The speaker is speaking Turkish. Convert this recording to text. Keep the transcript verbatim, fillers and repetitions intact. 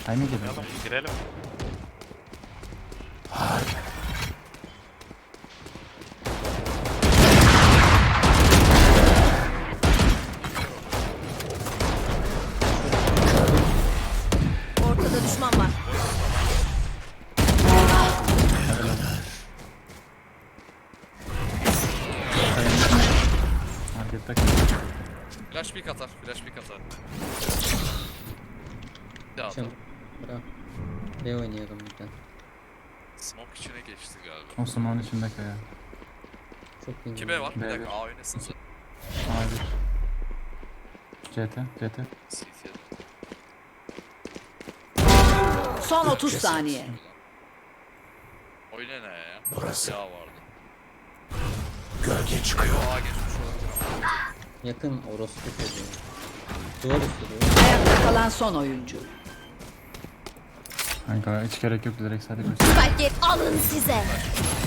Ay ne girelim? Oynayalım, girelim. Ortada düşman var. Markette kalıyor. Flash pick atar. Flash pick atar. Bir daha atar. Akşam. Bırak. B oynayalım bir tane. Smoke içine geçti galiba. O smoke'un içinde kaya. Çok iyi. iki B var. Bir B dakika bir. A oynasın sen. A bir. C T, C T. C T'ye. Son otuz saniye. Oyna ne ya? Burası. Ya vardı. Gölge çıkıyor. A geçmiş olabilir. Yakın orospu çocuğu. Duvar üstü duvar. Ayakta kalan son oyuncu. Kanka hiç gerek yok direkt sadece göster. Spike alın size.